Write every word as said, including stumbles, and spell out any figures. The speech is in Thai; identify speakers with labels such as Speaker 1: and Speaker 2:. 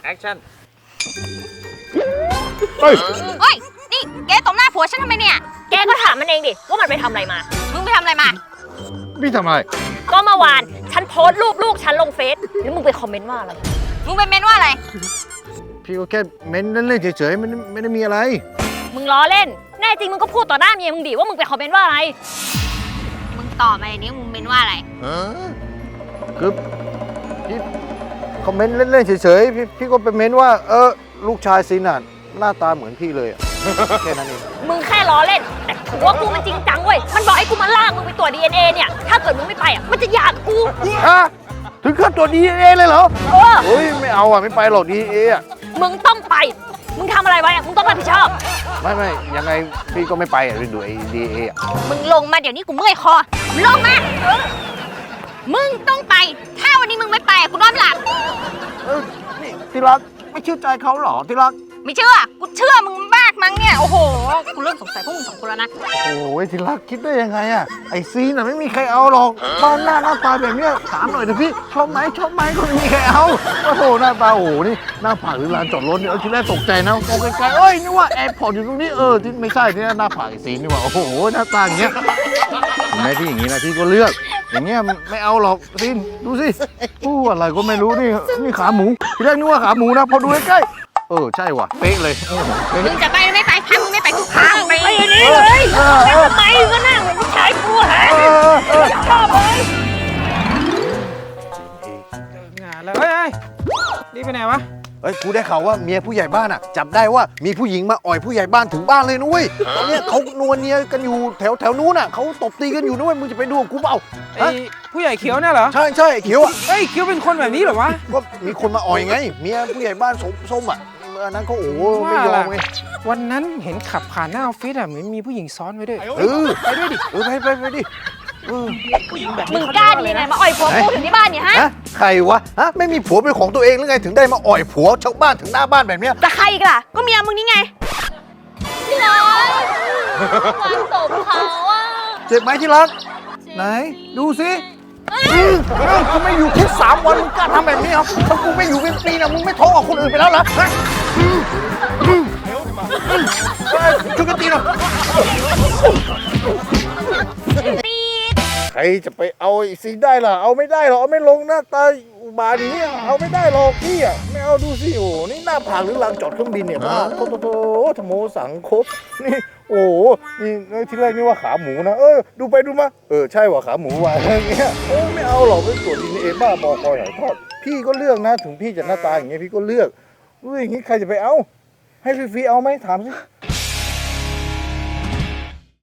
Speaker 1: แอคชั่น
Speaker 2: เฮ้ย
Speaker 3: เฮ้ยนี่แกตบหน้าผัวฉันทำไมเนี่ย
Speaker 4: แกก็ถามมันเองดิว่ามันไปทำอะไรมา
Speaker 3: มึงไปทำอะไรมา
Speaker 2: พี่ทำอะไร
Speaker 4: ก็เมื่อวานฉันโพสต์รูปลูกฉันลงเฟซแล้วมึงไปคอมเมนต์ว่าอะไร
Speaker 3: มึงไปเมนว่าอะไร
Speaker 2: พี่ก็แค่เม้นเล่นๆเฉยๆมันไม่ได้มีอะไร
Speaker 4: มึงล้อเล่นแน่จริงมึงก็พูดต่อหน้าเมียมึงดิว่ามึงไปคอมเมนต์ว่าอะไร
Speaker 3: มึงตอบมาในนี้มึงเมนว่าอะไร
Speaker 2: คือพี่คอมเมนต์เล่นๆเฉยๆพี่พี่ก็ไปเม้นว่าเออลูกชายซินน่ะหน้าตาเหมือนพี่เลยอะแค่นั้นเอง
Speaker 4: มึงแค่ล้อเล่นแต่ผัวกูมันจริงจังเว้ยมันบอกให้กูมาลากมึงไปตรวจ ดี เอ็น เอ เนี่ยถ้าเกิดมึงไม่ไปอ่ะมันจะหย่ากู
Speaker 2: ฮะถึงขั้นตรวจ ดี เอ็น เอ เลยเหรอ
Speaker 4: เออ
Speaker 2: เฮ้ยไม่เอาอ่ะไม่ไปหรอก ดี เอ็น เอ อ่ะ
Speaker 4: มึงต้องไปมึงทำอะไรไว้อ่ะมึงต้องรับผิดชอบ
Speaker 2: ไม่ไม่ยังไงพี่ก็ไม่ไปอ่ะดูไอ้ ดี เอ็น เอ อ่ะ
Speaker 3: มึงลงมาเดี๋ยวนี้กูเมื่อยคอลงมามึงต้องไปถ้าวันนี้มึงไม่ไปกูนอนหลับ
Speaker 2: เออนี่ที่รักไม่เชื่อใจเขาหรอที่รัก
Speaker 3: ไม่เชื่อกูเชื่อมึงมากมั้งเนี่ยโอ้โหกูเริ่มสงสัยพวกมึงสองคนแล้วนะ
Speaker 2: โอ้ยที่รักคิดได้ยังไงอ่ะไอซีน่ะไม่มีใครเอาหรอกบ้านหน้าหน้าตาแบบเนี้ยถามหน่อยเถอะพี่ชอบไหมชอบไหมก็ไม่มีใครเอาโอ้โหหน้าตาโอ้โหนี่หน้าผากหรือลานจอดรถเนี่ยเออทีแรกตกใจนะมองไกลๆเอ้ยนึกว่าแอร์พอร์ตอยู่ตรงนี้เออที่ไม่ใช่ที่หน้าผากไอซีนี่ว่าโอ้โหหน้าตาอย่างเงี้ยเห็นไหมที่อย่างงี้นะที่ก็เลือกอย่างเงี้ยไม่เอาหรอกซีนดูสิอู้อะไรก็ไม่รู้นี่นี่ขาหมูทีแรกนึกว่าขาหมูนะพอดูใกล้เออใช่ว่ะเป๊ะเลย
Speaker 3: มึงจะไปไม่ไปถ้ามึงไม่ไปกูพามึงไป
Speaker 4: อย่างนี้เลยแล้วทำไมก็นั่งเหมือนผู้ชายกูฮะชอบเลย
Speaker 1: งานแล้วเฮ้ยนี่ไปไหนวะ
Speaker 2: เฮ้ยกูได้ข่าวว่าเมียผู้ใหญ่บ้านอ่ะจับได้ว่ามีผู้หญิงมาอ่อยผู้ใหญ่บ้านถึงบ้านเลยนุ้ยตอนนี้เขานวลเนียกันอยู่แถวแถวนู้นอ่ะเขาตบตีกันอยู่นุ้ยมึงจะไปดูกูเปล่า
Speaker 1: ไอ้ผู้ใหญ่เขียวเนี่ยเหรอ
Speaker 2: ใช่ใช่เขียวอ่ะ
Speaker 1: เฮ้ยเขียวเป็นคนแบบนี้เหรอวะ
Speaker 2: ก็มีคนมาอ่อยไงเมียผู้ใหญ่บ้านส้มอ่ะอันนั้นเขาโอ้ไม่ยอมไง
Speaker 1: วันนั้นเห็นขับผ่านหน้าออฟฟิศอ่ะเหมือนมีผู้หญิงซ้อนไว้ด้วย
Speaker 2: เออไปด้วยดิเออไปไปไปดิ
Speaker 4: มึงกล้าดีไงมาอ่อยผัวกูถึงที่บ้านเนี่ยฮะ
Speaker 2: ใครวะฮะไม่มีผัวเป็นของตัวเองหรือไงถึงได้มาอ่อยผัวชาวบ้านถึงหน้าบ้านแบบเนี้ย
Speaker 4: จะใครอีกล่ะก็เมียมึงนี่ไงพี่น้อยความสมเขาอ่ะ
Speaker 2: เจ็บไหมที่รักไหนดูสิกูไม่อยู่แค่สามวันมึงกล้าทำแบบนี้เหรอถ้ากูไม่อยู่เป็นปีนะมึงไม่โทรออกคนอื่นไปแล้วเหรอช่วยกันตีหน่อยใครจะไปเอาไอ้ซีได้ล่ะเอาไม่ได้หรอกเอาไม่ลงหน้าตาอุบาทนี้เอาไม่ได้หรอกพี่อ่ะไม่เอาดูสิโอ้นี่หน้าผากหรือลานจอดเครื่องบินเนี่ยบ้าโตโตโตธโมสังคบนี่โอ้นี่ที่แรกนี่ว่าขาหมูนะเออดูไปดูมาเออใช่ว่าขาหมูว่ะอะไรเงี้ยโอ้ไม่เอาหรอกไปตรวจดีเอ็นเอบ้าบอคอยหายทอดพี่ก็เลือกนะถึงพี่จะหน้าตาอย่างเงี้ยพี่ก็เลือกรู้อย่างงี้ใครจะไปเอาให้ฟรีๆเอาไหมถามสิ